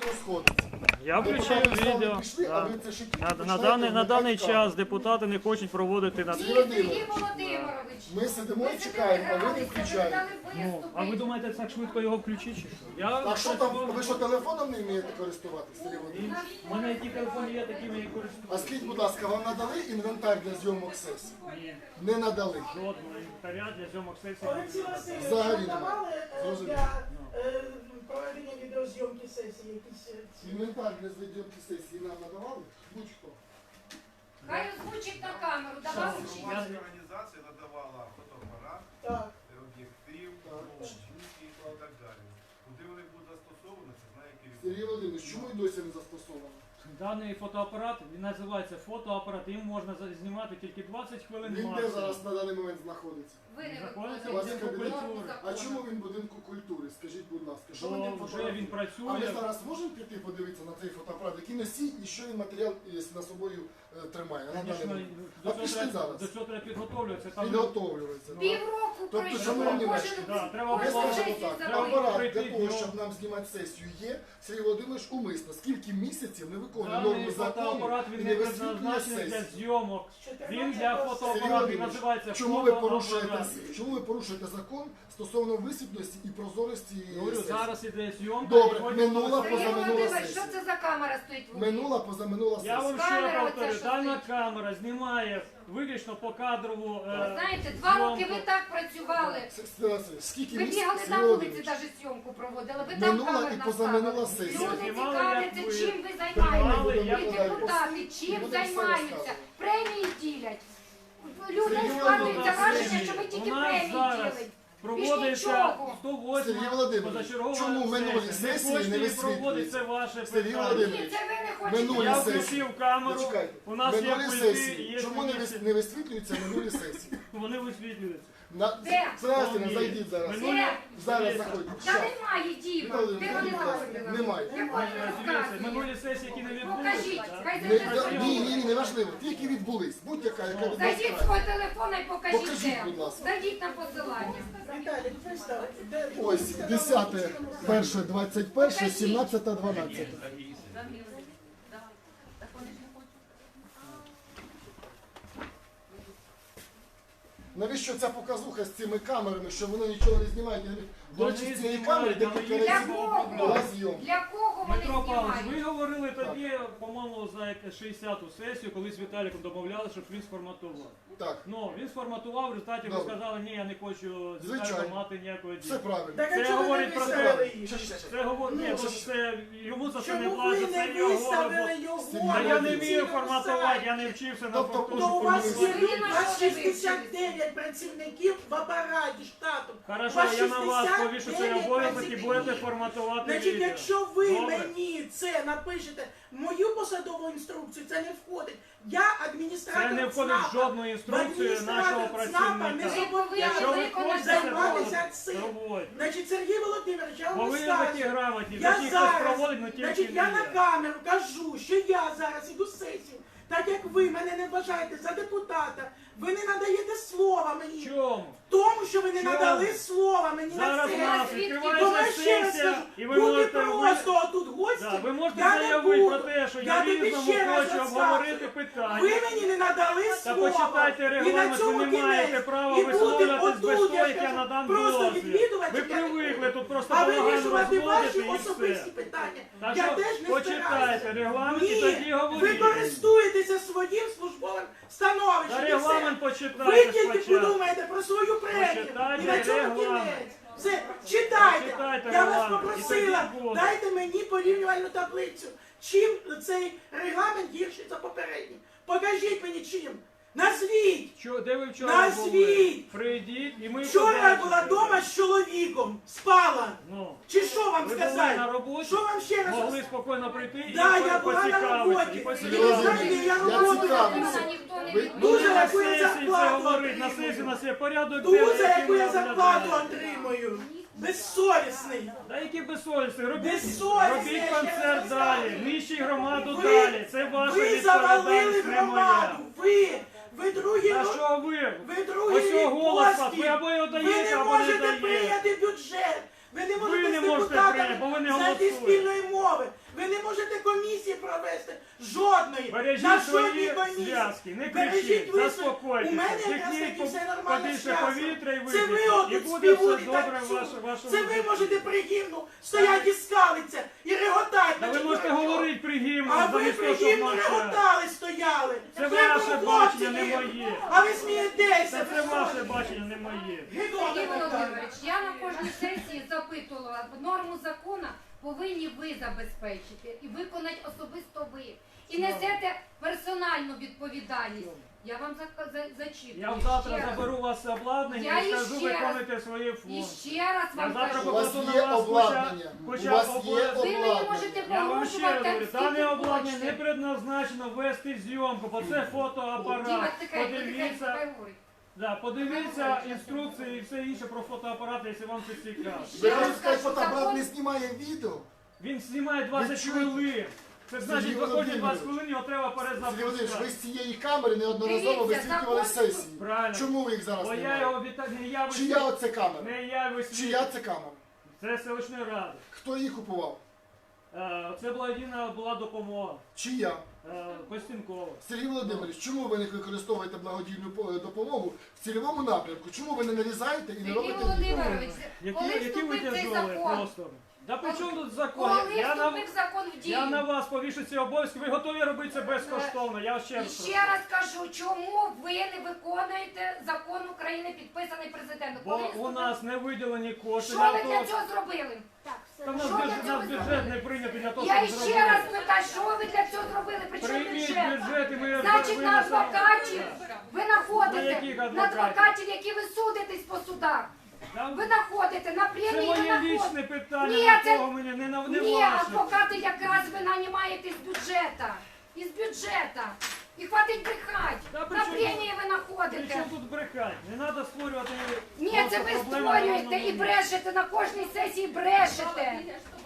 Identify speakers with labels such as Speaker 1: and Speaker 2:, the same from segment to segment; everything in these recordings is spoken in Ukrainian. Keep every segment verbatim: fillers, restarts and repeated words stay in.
Speaker 1: що сходиться.
Speaker 2: Я включив відео.
Speaker 1: Пішли, а
Speaker 2: Да.
Speaker 1: ви це ще тільки
Speaker 2: На, на,
Speaker 1: починаєте
Speaker 2: даний, на даний
Speaker 1: вмикати
Speaker 2: час депутати не хочуть проводити на...
Speaker 1: Ні.
Speaker 3: Сергій Володимирович.
Speaker 1: Ми сидимо і чекаємо, а ви не включаєте.
Speaker 2: Ну, а ви думаєте, так швидко його включити? Чи що? Я
Speaker 1: А що там, ви що телефоном не вмієте користуватися, Сергій Володимирович?
Speaker 2: У мене які телефони є, такими і
Speaker 1: А
Speaker 2: користуюся.
Speaker 1: скажіть, будь ласка, вам надали інвентар для зйомок сесії?
Speaker 2: Ні,
Speaker 1: Не надали.
Speaker 2: жодного інвентаря для зйомок сесії.
Speaker 4: Олексій Васильович,
Speaker 1: Взагалі
Speaker 4: вам
Speaker 1: немає.
Speaker 4: давали е,
Speaker 1: Зрозуміло.
Speaker 4: для е, проведення відеозйомки сесії якісь е, ці?
Speaker 1: Інвентар для зйомки сесії нам надавали? Будь-хто.
Speaker 3: Хай озвучить на камеру, давай
Speaker 2: Що?
Speaker 3: учить.
Speaker 2: Я-
Speaker 5: Організація надавала фотоапарат,
Speaker 4: Так.
Speaker 5: об'єктив,
Speaker 1: Так.
Speaker 5: ноутбуки і так далі. Куди вони будуть застосовані, це знає керівник.
Speaker 1: Сергій Володимирович, чому і досі не застосовано?
Speaker 2: Даний фотоапарат, він називається фотоапарат, їм можна за- знімати тільки двадцять хвилин
Speaker 1: Він де
Speaker 2: максимум.
Speaker 1: зараз на даний момент знаходиться?
Speaker 3: Ви не
Speaker 2: Знаходиться
Speaker 1: у вас
Speaker 3: виконуєте
Speaker 1: кабінет?
Speaker 3: норму
Speaker 1: А
Speaker 3: закону.
Speaker 1: чому він в будинку культури? Скажіть, будь ласка, що ви
Speaker 2: Бо
Speaker 1: не
Speaker 2: вже він
Speaker 1: фотографуєте? А ми
Speaker 2: працює.
Speaker 1: зараз можемо піти подивитися на цей фотоапарат, який носій і що він матеріал е, на собою е, тримає? На даний
Speaker 2: Звісно,
Speaker 1: момент?
Speaker 2: до
Speaker 1: А
Speaker 2: цього
Speaker 1: пішли
Speaker 2: треба-
Speaker 1: зараз.
Speaker 2: до цього треба підготовлюватися. Там
Speaker 1: Підготовлюється.
Speaker 3: Півроку
Speaker 1: Тобто,
Speaker 3: пройшло,
Speaker 1: шановні
Speaker 3: кожен
Speaker 1: мешканці,
Speaker 2: да, треба
Speaker 1: Ми
Speaker 3: кожен
Speaker 2: було-
Speaker 1: скажемо
Speaker 3: сесію
Speaker 1: так,
Speaker 2: треба
Speaker 3: задали.
Speaker 1: апарат
Speaker 2: прийти
Speaker 1: для того,
Speaker 2: днем.
Speaker 1: щоб нам знімати сесію є, Сергій Володимирович умисно, скільки місяців не виконує
Speaker 2: Даний
Speaker 1: норми закону
Speaker 2: фотоапарат
Speaker 1: і
Speaker 2: він
Speaker 1: не
Speaker 2: не
Speaker 1: висвітлює
Speaker 2: призначений для
Speaker 1: сесію.
Speaker 2: зйомок. Він для
Speaker 1: Сергій
Speaker 2: фотоапарату, він
Speaker 1: Володимирович,
Speaker 2: називається
Speaker 1: чому ви
Speaker 2: фотоапарат.
Speaker 1: порушуєте, чому ви порушуєте закон стосовно висвітленості і прозорості
Speaker 2: Говорю,
Speaker 1: сесії?
Speaker 2: зараз іде зйомка.
Speaker 1: Добре,
Speaker 2: і потім
Speaker 1: минула
Speaker 2: буде
Speaker 3: Сергій
Speaker 1: позаминула
Speaker 3: Володимирович,
Speaker 1: сесія.
Speaker 3: що це за камера стоїть в углі?
Speaker 1: Минула, позаминула
Speaker 2: Я
Speaker 1: сесія.
Speaker 2: вам ще
Speaker 3: Камера
Speaker 2: повторю,
Speaker 3: оця, що
Speaker 2: дана
Speaker 3: стоїть.
Speaker 2: камера знімає виключно по кадрову
Speaker 3: Ви
Speaker 2: е,
Speaker 3: знаєте, два роки
Speaker 2: зйомку.
Speaker 3: ви так працювали.
Speaker 1: Сергій Васильович, Скільки
Speaker 3: Ви
Speaker 1: місяців,
Speaker 3: бігали
Speaker 1: Сергій
Speaker 3: на вулиці,
Speaker 1: Володимирович?
Speaker 3: навіть зйомку проводили. Ви там
Speaker 1: Минула
Speaker 3: камер
Speaker 1: і позаминула
Speaker 3: наставили.
Speaker 1: сесія.
Speaker 3: Люди
Speaker 2: Знімали,
Speaker 3: цікавляться,
Speaker 2: як ви
Speaker 3: чим ви
Speaker 2: знімали,
Speaker 3: займаєтеся.
Speaker 2: як
Speaker 3: І
Speaker 1: ви
Speaker 3: депутати,
Speaker 1: І
Speaker 3: чим
Speaker 1: будемо все
Speaker 3: займаються.
Speaker 1: розказувати.
Speaker 3: Премії ділять. Людей
Speaker 1: Сергій
Speaker 3: складується
Speaker 1: Володимирович,
Speaker 3: враження, що ви тільки
Speaker 2: у нас
Speaker 3: премії
Speaker 2: зараз
Speaker 3: ділите.
Speaker 2: проводиться
Speaker 3: нічого.
Speaker 2: сто восьма
Speaker 1: Сергій Володимирович,
Speaker 2: позачергова
Speaker 1: чому минулі
Speaker 2: сесія.
Speaker 1: сесії
Speaker 2: Не
Speaker 1: не
Speaker 2: хочете її
Speaker 1: висвітлюєте?
Speaker 2: проводити, це ваше
Speaker 1: Сергій
Speaker 2: питання.
Speaker 1: Володимирович,
Speaker 3: Ні, це ви не хочете.
Speaker 1: Минулі
Speaker 2: Я
Speaker 1: сесії.
Speaker 2: включив камеру,
Speaker 1: Почекайте.
Speaker 2: у нас є
Speaker 1: Минулі
Speaker 2: пульти,
Speaker 1: сесії.
Speaker 2: є
Speaker 1: Чому не,
Speaker 2: комісії.
Speaker 1: вис- не висвітлюються минулі сесії?
Speaker 2: Вони висвітлюються.
Speaker 1: На...
Speaker 3: Де?
Speaker 1: Здрасте,
Speaker 2: Ні.
Speaker 1: зайдіть зараз.
Speaker 2: Минулі-
Speaker 3: Де?
Speaker 1: Зараз заходьте.
Speaker 3: Та
Speaker 1: Щас.
Speaker 3: немає, Діма.
Speaker 1: Віталій,
Speaker 3: Де вони
Speaker 1: зайдіть, будь ласка.
Speaker 3: знаходили?
Speaker 1: Немає.
Speaker 3: Я хочу
Speaker 2: Дивіться,
Speaker 3: розказувати.
Speaker 2: минулі сесії, які не
Speaker 3: Покажіть,
Speaker 2: відбулися.
Speaker 3: хай
Speaker 1: Не,
Speaker 3: зайде
Speaker 1: да- ні,
Speaker 3: телефон.
Speaker 1: ні, не важливо. Ті, які відбулись. Будь-яка, яка
Speaker 2: Ну.
Speaker 1: відбулась.
Speaker 3: Зайдіть з свого телефона і покажіть,
Speaker 1: Покажіть,
Speaker 3: де.
Speaker 1: будь ласка.
Speaker 3: Зайдіть на посилання.
Speaker 4: Віталій, представте, де
Speaker 1: Ось, десяте, перше, двадцять перше, сімнадцяте, дванадцяте. Навіщо ця показуха з цими камерами, що воно нічого не знімає? Я- До
Speaker 2: Вони
Speaker 1: речі, з цієї
Speaker 2: знімають,
Speaker 1: камери
Speaker 2: але
Speaker 1: декілька
Speaker 2: є
Speaker 3: Для
Speaker 1: разів
Speaker 3: кого?
Speaker 1: була зйомка.
Speaker 3: Для кого вони
Speaker 2: Дмитро Павлович, ви
Speaker 3: знімають?
Speaker 2: говорили тоді, по-моєму, за як- шістдесяту сесію, коли з Віталіком домовляли, щоб він сформатував.
Speaker 1: Так,
Speaker 2: Ну, він сформатував, в результаті ви
Speaker 1: Добре.
Speaker 2: сказали, ні, я не хочу з
Speaker 1: Звичайно.
Speaker 2: Віталіком мати ніякого
Speaker 1: все
Speaker 2: діла.
Speaker 1: правильно.
Speaker 4: Так,
Speaker 2: Це
Speaker 4: а чому ви не
Speaker 2: говорить про те-
Speaker 4: виставили їх?
Speaker 1: Ще, ще, ще.
Speaker 2: Це говорить, ні,
Speaker 1: Ну,
Speaker 2: то
Speaker 1: що-
Speaker 2: це йому за це не
Speaker 4: Чому ви
Speaker 2: платять, це
Speaker 4: не
Speaker 2: його
Speaker 4: виставили
Speaker 2: робота.
Speaker 4: його
Speaker 1: Сергій
Speaker 2: Та я не
Speaker 1: Володимирович.
Speaker 2: вмію форматувати, я не вчився на
Speaker 1: Тобто,
Speaker 2: фактурі.
Speaker 4: То у вас є
Speaker 1: Сергій
Speaker 4: люди, у вас
Speaker 3: Володимирович.
Speaker 4: шістдесят дев'ять працівників в апараті штату. У
Speaker 2: Хорошо,
Speaker 4: вас
Speaker 2: я на вас
Speaker 4: шістдесят
Speaker 2: повішу цей
Speaker 4: дев'ять
Speaker 2: обов'язок і
Speaker 4: працівників.
Speaker 2: будете форматувати
Speaker 4: Значить,
Speaker 2: відео.
Speaker 4: якщо ви
Speaker 2: Добре.
Speaker 4: мені це напишете, в мою посадову інструкцію, це не входить. Я адміністратор
Speaker 2: Це не входить в
Speaker 4: ЦНАПа.
Speaker 2: жодну інструкцію
Speaker 4: Адміністратор
Speaker 2: нашого
Speaker 4: ЦНАПа не
Speaker 2: працівника.
Speaker 3: зобов'язаний
Speaker 2: Якщо ви
Speaker 3: виконати
Speaker 2: хочете
Speaker 4: займатися
Speaker 2: проводити,
Speaker 4: цим.
Speaker 2: проводьте.
Speaker 4: Значить, Сергій Володимирович, я
Speaker 2: Бо
Speaker 4: вам
Speaker 2: ви такі
Speaker 4: скажу.
Speaker 2: грамотні,
Speaker 4: Я
Speaker 2: такі хтось
Speaker 4: зараз,
Speaker 2: проводить, але
Speaker 4: значить,
Speaker 2: тільки
Speaker 4: я
Speaker 2: не
Speaker 4: на
Speaker 2: я.
Speaker 4: камеру кажу, що я зараз іду сесію. Так як ви мене не вважаєте за депутата, ви не надаєте слова мені.
Speaker 2: Чому?
Speaker 4: Тому, що ви не
Speaker 2: Чому?
Speaker 4: надали слова мені на
Speaker 2: Зараз у
Speaker 4: сесію.
Speaker 2: нас
Speaker 3: Звідки?
Speaker 4: Тому
Speaker 2: відкривається
Speaker 4: я ще раз
Speaker 2: сесія,
Speaker 4: скажу,
Speaker 2: і ви
Speaker 4: бути
Speaker 2: можете
Speaker 4: просто отут гості,
Speaker 2: Да, ви можете
Speaker 4: я не
Speaker 2: заявити
Speaker 4: буду.
Speaker 2: про те, що
Speaker 4: Я
Speaker 2: я
Speaker 4: тобі
Speaker 2: різному
Speaker 4: ще раз
Speaker 2: хочу
Speaker 4: розказую.
Speaker 2: обговорити питання.
Speaker 4: Ви мені не надали
Speaker 2: Та
Speaker 4: слова.
Speaker 2: почитайте
Speaker 4: І на
Speaker 2: регламент, ви
Speaker 4: цьому
Speaker 2: не маєте
Speaker 4: кінець.
Speaker 2: права
Speaker 4: І бути
Speaker 2: висловлюватись без
Speaker 4: отут,
Speaker 2: того,
Speaker 4: я
Speaker 2: як я
Speaker 4: скажу,
Speaker 2: надам
Speaker 4: просто
Speaker 2: дозвіл.
Speaker 4: відвідувачем
Speaker 2: Ви
Speaker 4: я не
Speaker 2: привикли
Speaker 4: буду.
Speaker 2: тут просто
Speaker 4: А
Speaker 2: балаган
Speaker 4: вирішувати ваші
Speaker 2: розводити і
Speaker 4: особисті
Speaker 2: все.
Speaker 4: питання.
Speaker 2: Так
Speaker 4: Я
Speaker 2: що
Speaker 4: теж не
Speaker 2: почитайте
Speaker 4: збираюся.
Speaker 2: регламент і
Speaker 4: Ні,
Speaker 2: тоді
Speaker 4: ви
Speaker 2: говоріть.
Speaker 4: користуєтеся своїм службовим становищем.
Speaker 2: Та
Speaker 4: і все.
Speaker 2: регламент
Speaker 4: Ви
Speaker 2: почитайте
Speaker 4: тільки
Speaker 2: спочатку.
Speaker 4: подумаєте про свою премію.
Speaker 2: Почитайте
Speaker 4: І на цьому
Speaker 2: регламент.
Speaker 4: кінець. Все, читайте.
Speaker 2: Почитайте
Speaker 4: Я вас
Speaker 2: регламент, і
Speaker 4: попросила,
Speaker 2: тоді буде.
Speaker 4: дайте мені порівнювальну таблицю. Чим цей регламент гірший за попередній? Покажіть мені чим. Назвіть.
Speaker 2: Що, де ви вчора
Speaker 4: Назвіть!
Speaker 2: були? Прийдіть і ми
Speaker 4: Вчора я
Speaker 2: побачимо.
Speaker 4: була вдома з чоловіком, спала.
Speaker 2: Ну,
Speaker 4: Чи що вам
Speaker 2: ви були
Speaker 4: сказати?
Speaker 2: на роботі,
Speaker 4: Що вам ще раз?
Speaker 2: могли спокійно прийти і
Speaker 4: Да, я була на
Speaker 2: поцікавитися.
Speaker 4: роботі.
Speaker 2: І
Speaker 4: І
Speaker 2: поцікавитися.
Speaker 4: ви знаєте, я
Speaker 1: Я
Speaker 4: роботу
Speaker 1: цікавлюся.
Speaker 4: роблю.
Speaker 3: Ніхто не
Speaker 1: Ви-
Speaker 3: відмовляє.
Speaker 2: Ну,
Speaker 4: Дуже
Speaker 2: не на
Speaker 4: яку я
Speaker 2: сесії це
Speaker 4: зарплату
Speaker 2: говорить, на
Speaker 4: отримую.
Speaker 2: сесії у нас є порядок
Speaker 4: Дуже
Speaker 2: денний, який
Speaker 4: яку
Speaker 2: ми
Speaker 4: я зарплату
Speaker 2: розглядаємо.
Speaker 4: отримую. Безсовісний.
Speaker 2: Та які безсовісні, робіть,
Speaker 4: Безсовісні,
Speaker 2: робіть
Speaker 4: я ще
Speaker 2: концерт
Speaker 4: раз
Speaker 2: далі,
Speaker 4: розказую.
Speaker 2: нищіть громаду
Speaker 4: Ви-
Speaker 2: далі, це ваша
Speaker 4: Ви завалили
Speaker 2: відповідальність, не моя.
Speaker 4: громаду. Ви, ви другі,
Speaker 2: А
Speaker 4: ру-
Speaker 2: що ви?
Speaker 4: ви другі
Speaker 2: Ось його голос,
Speaker 4: поспіль.
Speaker 2: ви або його
Speaker 4: Ви
Speaker 2: даєте,
Speaker 4: не
Speaker 2: або не
Speaker 4: можете
Speaker 2: даєте.
Speaker 4: прийняти бюджет. Ви не можете
Speaker 2: не
Speaker 4: з
Speaker 2: можете
Speaker 4: депутатами
Speaker 2: прийняти, бо ви не
Speaker 4: знайти
Speaker 2: голосуєте.
Speaker 4: спільної мови. Ви не можете комісії провести. Жодної.
Speaker 2: Бережіть
Speaker 4: На
Speaker 2: свої
Speaker 4: жодній комісії.
Speaker 2: зв'язки, не
Speaker 4: Бережіть
Speaker 2: кричіть,
Speaker 4: ви
Speaker 2: заспокойтеся,
Speaker 4: У мене якраз
Speaker 2: вдихніть
Speaker 4: таки все нормально
Speaker 2: побільше
Speaker 4: зв'язано.
Speaker 2: повітря і
Speaker 4: Це ви
Speaker 2: видихніть, і
Speaker 4: отут
Speaker 2: буде все
Speaker 4: співуть і
Speaker 2: добре
Speaker 4: так
Speaker 2: в
Speaker 4: чули.
Speaker 2: ваш- вашому
Speaker 4: Це ви
Speaker 2: житті.
Speaker 4: можете при гімну стояти і скалитися, і реготати.
Speaker 2: Та ви
Speaker 4: значить,
Speaker 2: можете
Speaker 4: дурачок.
Speaker 2: говорити при гімну,
Speaker 4: А ви
Speaker 2: замість
Speaker 4: при
Speaker 2: того, щоб
Speaker 4: гімну
Speaker 2: мовчати.
Speaker 4: реготали, стояли.
Speaker 2: Це
Speaker 4: Ви
Speaker 2: ваше
Speaker 4: хлопці
Speaker 2: бачення, не
Speaker 4: є.
Speaker 2: моє.
Speaker 4: А ви смієтеся.
Speaker 2: Це, це ваше бачення, не моє.
Speaker 4: Гидота
Speaker 3: Сергій
Speaker 4: така.
Speaker 3: Володимирович, я на кожній сесії запитувала, норму закону повинні ви забезпечити і виконати особисто ви. І несете персональну відповідальність. Я вам за- за- зачитую.
Speaker 2: Я завтра
Speaker 3: ще раз.
Speaker 2: заберу у вас обладнання
Speaker 3: Я
Speaker 2: і скажу,
Speaker 3: іще раз-
Speaker 2: виконуйте свої
Speaker 3: І
Speaker 2: функції.
Speaker 3: ще раз
Speaker 2: Я
Speaker 3: вам
Speaker 2: завтра
Speaker 3: кажу.
Speaker 1: У вас
Speaker 2: покладу
Speaker 1: є
Speaker 2: на вас
Speaker 1: обладнання.
Speaker 2: хоча,
Speaker 1: У вас
Speaker 2: хоча
Speaker 1: є
Speaker 2: обла-
Speaker 3: Ви мені
Speaker 1: обладнання.
Speaker 3: можете
Speaker 2: Я вам ще раз
Speaker 3: погрожувати,
Speaker 2: говорю,
Speaker 3: там
Speaker 2: дане
Speaker 3: скільки
Speaker 2: обладнання
Speaker 3: хочете.
Speaker 2: не предназначено вести зйомку, бо це фотоапарат.
Speaker 3: Діва, тихенько, тихенько,
Speaker 2: Подивіться,
Speaker 3: хай говорить.
Speaker 2: да, подивіться інструкції і все інше про фотоапарат, якщо вам це цікаво.
Speaker 1: Ви
Speaker 3: Я вам
Speaker 1: хочете сказати,
Speaker 3: скажу,
Speaker 1: фотоапарат
Speaker 3: закон-
Speaker 1: не знімає відео?
Speaker 2: Він знімає двадцять
Speaker 1: чуєте?
Speaker 2: хвилин. Це значить,
Speaker 1: Сергій
Speaker 2: виходить двадцять
Speaker 1: Володимирович.
Speaker 2: хвилин, його треба
Speaker 1: Сергій Володимирович, ви
Speaker 2: перезапускати.
Speaker 1: з цієї камери неодноразово
Speaker 3: Дивіться,
Speaker 1: висвітлювали
Speaker 3: закон-
Speaker 1: сесії.
Speaker 2: Правильно.
Speaker 1: Чому ви їх зараз
Speaker 2: Бо я
Speaker 1: знімаєте?
Speaker 2: його віта... не я
Speaker 1: Чия
Speaker 2: висвітлюю.
Speaker 1: оце камера?
Speaker 2: Не я висвітлюю.
Speaker 1: Чия це камера?
Speaker 2: Це селищної ради.
Speaker 1: Хто її купував?
Speaker 2: Е, Це була єдина була допомога.
Speaker 1: Чия?
Speaker 2: Е, Костянкова.
Speaker 1: Сергій Володимирович, чому ви не використовуєте благодійну по- допомогу в цільовому напрямку? Чому ви не нарізаєте і не
Speaker 3: Сергій
Speaker 1: робите відео?
Speaker 3: Володимирович,
Speaker 2: Які,
Speaker 3: коли
Speaker 2: які ви
Speaker 3: вступив цей
Speaker 2: тяжолі
Speaker 3: закон?
Speaker 2: просто. Да при чому тут закон?
Speaker 3: Коли
Speaker 2: Я на,
Speaker 3: вступив закон в дію?
Speaker 2: я на вас повішу ці обов'язки, ви готові робити це безкоштовно. Я ще
Speaker 3: І
Speaker 2: раз
Speaker 3: ще
Speaker 2: прошу.
Speaker 3: раз кажу, чому ви не виконуєте закон України, підписаний президентом?
Speaker 2: Бо
Speaker 3: Коли
Speaker 2: у
Speaker 3: вступив-
Speaker 2: нас не виділені кошти
Speaker 3: Що
Speaker 2: для
Speaker 3: ви
Speaker 2: того.
Speaker 3: для цього зробили?
Speaker 2: Та в нас,
Speaker 3: Що
Speaker 2: бюджет,
Speaker 3: для
Speaker 2: у
Speaker 3: цього
Speaker 2: нас бюджет
Speaker 3: зробили?
Speaker 2: не прийнятий для того,
Speaker 3: Я
Speaker 2: щоб
Speaker 3: ще раз
Speaker 2: зробити.
Speaker 3: питаю, що ви для цього зробили? Причому
Speaker 2: Прийміть
Speaker 3: бюджет?
Speaker 2: бюджет і ми
Speaker 3: Значить, на
Speaker 2: винесемо.
Speaker 3: адвокатів ви
Speaker 2: На
Speaker 3: знаходите,
Speaker 2: яких
Speaker 3: на
Speaker 2: адвокатів?
Speaker 3: адвокатів, які ви судитесь по судах.
Speaker 2: Да,
Speaker 3: Ви знаходите, на
Speaker 2: Це
Speaker 3: премії ви
Speaker 2: моє
Speaker 3: знаходите.
Speaker 2: лічне питання,
Speaker 3: Ні,
Speaker 2: на
Speaker 3: це-
Speaker 2: кого мені не, на- не
Speaker 3: Ні,
Speaker 2: ваше.
Speaker 3: адвокати якраз ви нанімаєте з бюджету. Із бюджету. І хватить брехати.
Speaker 2: Та при
Speaker 3: На
Speaker 2: чому-
Speaker 3: премії ви
Speaker 2: При
Speaker 3: знаходите.
Speaker 2: чому тут брехати? Не треба створювати.
Speaker 3: Ні,
Speaker 2: просто
Speaker 3: це ви
Speaker 2: проблеми на
Speaker 3: створюєте
Speaker 2: одному
Speaker 3: і
Speaker 2: місці.
Speaker 3: брешете, на кожній сесії брешете.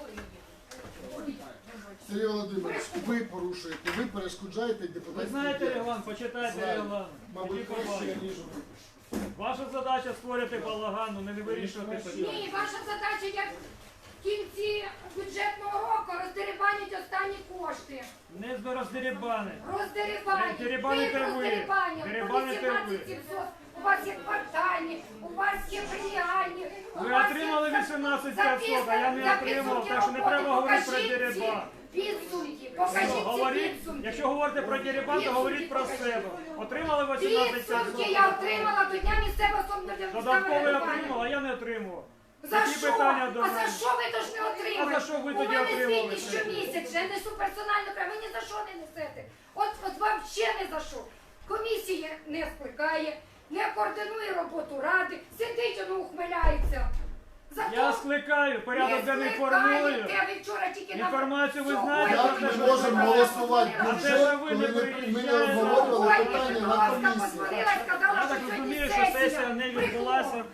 Speaker 1: Сергій Володимирович, ви порушуєте, ви перешкоджаєте
Speaker 2: Ви
Speaker 1: депутатській
Speaker 2: знаєте
Speaker 1: діяльності.
Speaker 2: регламент, почитайте
Speaker 1: Знаю.
Speaker 2: регламент.
Speaker 1: Мабуть,
Speaker 2: Тоді
Speaker 1: краще,
Speaker 2: побачите.
Speaker 1: ніж ви.
Speaker 2: Ваша задача створити балаган, ну, не вирішувати питання.
Speaker 3: Ні, ваша задача як в кінці бюджетного року роздерибанять останні кошти.
Speaker 2: Не з роздерибани.
Speaker 3: Роздерибанять.
Speaker 2: Дерибаните
Speaker 3: Ви
Speaker 2: ви.
Speaker 3: роздерибанять.
Speaker 2: Дерибаните ви.
Speaker 3: вісімнадцять сімсот. У вас є квартальні, у вас є преміальні. у
Speaker 2: Ви
Speaker 3: вас є
Speaker 2: отримали
Speaker 3: за-
Speaker 2: вісімнадцять
Speaker 3: за
Speaker 2: п'ятсот, а я не
Speaker 3: за
Speaker 2: отримав,
Speaker 3: підсумки
Speaker 2: так що не
Speaker 3: роботи
Speaker 2: треба говорити про
Speaker 3: покажіть ці
Speaker 2: дерибан.
Speaker 3: Підсумки.
Speaker 2: Ну,
Speaker 3: Покажіть ці
Speaker 2: говоріть,
Speaker 3: підсумки.
Speaker 2: якщо говорите про дерибан, то говоріть про себе. Отримали вісімнадцять
Speaker 3: Підсумки я
Speaker 2: п'ятсот.
Speaker 3: отримала до дня місцевого
Speaker 2: Додатково я
Speaker 3: самоврядування.
Speaker 2: отримав, а я не отримував.
Speaker 3: За
Speaker 2: Які
Speaker 3: що?
Speaker 2: питання до
Speaker 3: А за
Speaker 2: мене?
Speaker 3: що ви тож не отримали?
Speaker 2: А за що ви тоді
Speaker 3: У мене
Speaker 2: отримали
Speaker 3: звітність
Speaker 2: це?
Speaker 3: щомісяця, я несу персонально, прямо, ви ні за що не несете. От, от вам ще не за що. Комісія не скликає, не координує роботу ради, сидить, воно ухмиляється. Зато
Speaker 2: Я скликаю, порядок денний формую.
Speaker 3: скликаєте, ви вчора тільки на-
Speaker 2: Інформацію ви
Speaker 3: Сьогодні
Speaker 2: знаєте,
Speaker 1: Як
Speaker 2: про те,
Speaker 1: ми
Speaker 2: що
Speaker 1: можемо
Speaker 2: ви
Speaker 1: голосувати
Speaker 2: А
Speaker 1: бюджет,
Speaker 2: те, що ви
Speaker 1: коли
Speaker 2: не
Speaker 1: ми, ми не
Speaker 2: приїжджаєте?
Speaker 1: обговорювали
Speaker 3: Сьогодні
Speaker 1: питання на
Speaker 3: Петровська
Speaker 1: комісії?
Speaker 3: подзвонила і сказала,
Speaker 2: Я
Speaker 3: що
Speaker 2: так
Speaker 3: сьогодні
Speaker 2: розумію, що
Speaker 3: сесія.
Speaker 2: сесія не
Speaker 3: Брехло.
Speaker 2: відбулася.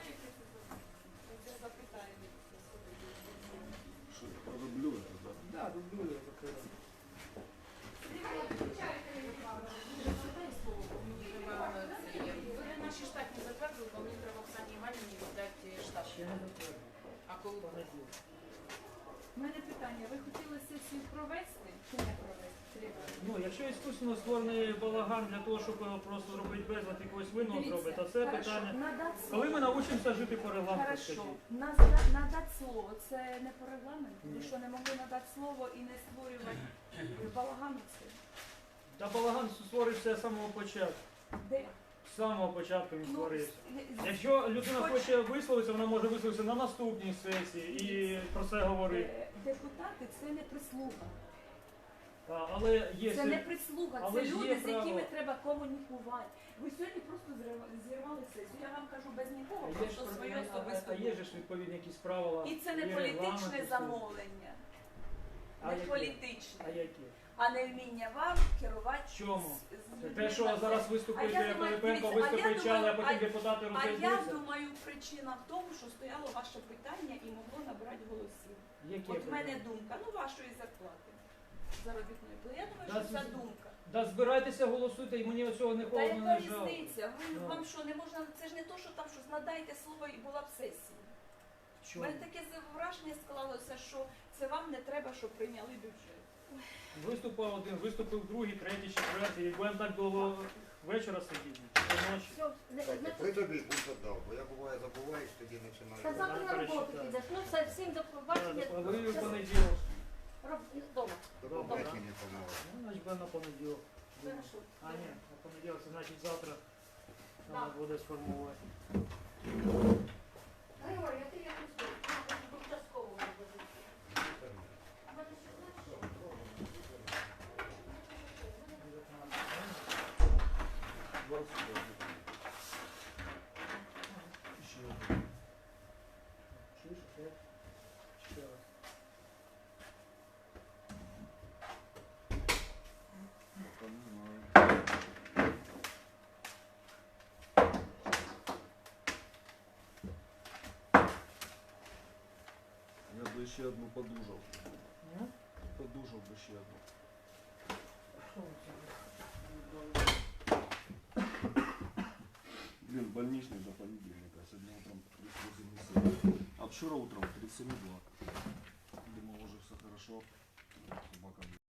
Speaker 6: Ви наші штатні затвердили, бо мені треба Оксані Іванівні віддати штат. А коли
Speaker 7: У мене питання, ви хотіли сесію провести чи не провести? Треба.
Speaker 2: Ну, якщо іскусственно створений балаган для того, щоб його просто зробити безлад якогось винного зробити, то це
Speaker 7: Хорошо,
Speaker 2: питання.
Speaker 7: надати
Speaker 2: Коли ми
Speaker 7: слово.
Speaker 2: навчимося жити по регламенту,
Speaker 7: Хорошо,
Speaker 2: скажіть?
Speaker 7: Наз- надати слово, це не по регламенту? Ви
Speaker 2: Ні.
Speaker 7: що, не могли надати слово і не створювати балагану це?
Speaker 2: Та балаган створився з самого початку.
Speaker 7: Де?
Speaker 2: З самого початку він
Speaker 7: Ну,
Speaker 2: створився.
Speaker 7: з- з-
Speaker 2: Якщо людина
Speaker 7: Хоч-
Speaker 2: хоче висловитися, вона може висловитися на наступній сесії і про це говорити.
Speaker 7: е, депутати це не прислуга.
Speaker 2: Та, але є
Speaker 7: Це не прислуга,
Speaker 2: Але
Speaker 7: це
Speaker 2: ж є
Speaker 7: люди, з
Speaker 2: право.
Speaker 7: якими треба комунікувати. Ви сьогодні просто зрива- зірвали сесію. Я вам кажу без нікого,
Speaker 2: А є ж
Speaker 7: просто
Speaker 2: про-
Speaker 7: своє
Speaker 2: а- а-
Speaker 7: особисто.
Speaker 2: а є ж відповідні якісь правила.
Speaker 7: І це не
Speaker 2: є
Speaker 7: політичне
Speaker 2: регламент, і
Speaker 7: замовлення,
Speaker 2: А
Speaker 7: не
Speaker 2: які?
Speaker 7: політичне,
Speaker 2: А які?
Speaker 7: а не вміння вам керувати.
Speaker 2: Чому?
Speaker 7: з- з
Speaker 2: Те,
Speaker 7: людьми
Speaker 2: що
Speaker 7: на
Speaker 2: зараз
Speaker 7: це.
Speaker 2: виступить
Speaker 7: А я думаю,
Speaker 2: Пилипенко,
Speaker 7: дивіться, а я
Speaker 2: виступить Чали, а
Speaker 7: думаю,
Speaker 2: потім
Speaker 7: а-
Speaker 2: депутати
Speaker 7: А я
Speaker 2: розійдуться.
Speaker 7: думаю, причина в тому, що стояло ваше питання і могло набрати голосів.
Speaker 2: Які
Speaker 7: От в мене
Speaker 2: питання?
Speaker 7: думка, ну вашої зарплати заробітної. Бо я думаю,
Speaker 2: Да,
Speaker 7: що ця
Speaker 2: з-
Speaker 7: думка.
Speaker 2: Да збирайтеся, голосуйте, і мені оцього не
Speaker 7: Та
Speaker 2: холодно,
Speaker 7: яка
Speaker 2: не жалко.
Speaker 7: різниця? Ви,
Speaker 2: Ну.
Speaker 7: вам що, не можна, це ж не то, що там щось надайте слово і була б сесія. У
Speaker 2: Чому?
Speaker 7: мене таке враження склалося, що це вам не треба, щоб прийняли бюджет.
Speaker 2: Виступив один, виступив другий, третій, четвертий. І будемо так до вечора сидіти, до ночі.
Speaker 8: Все, не,
Speaker 9: Так,
Speaker 8: не,
Speaker 9: при тобі будь дав, бо я буває забуваєш, тоді починаю.
Speaker 8: та завтра на роботу
Speaker 2: перечитаю.
Speaker 8: підеш. Ну все, всім до побачення.
Speaker 2: А ви в
Speaker 8: Все,
Speaker 2: понеділок.
Speaker 8: роб- Вдома.
Speaker 9: До
Speaker 2: Добре.
Speaker 9: побачення, помогу.
Speaker 2: Ну, значить, буде на понеділок.
Speaker 8: Хорошо.
Speaker 2: А, ні, на понеділок, це значить завтра
Speaker 8: Да.
Speaker 2: треба буде сформувати.
Speaker 8: Григорій, а ти як успів? Участкового вивезти. А мене ще знаєш що?
Speaker 2: Чуєш, опять? Ще раз.
Speaker 10: Я би ще одну подужав.
Speaker 2: Ну,
Speaker 10: Подужав би ще одну.
Speaker 2: що ви це?
Speaker 10: Блин, больничный до понедельника. Сегодня утром тридцать семь целых. А вчера утром тридцать семь два. Думал, уже все хорошо. Собака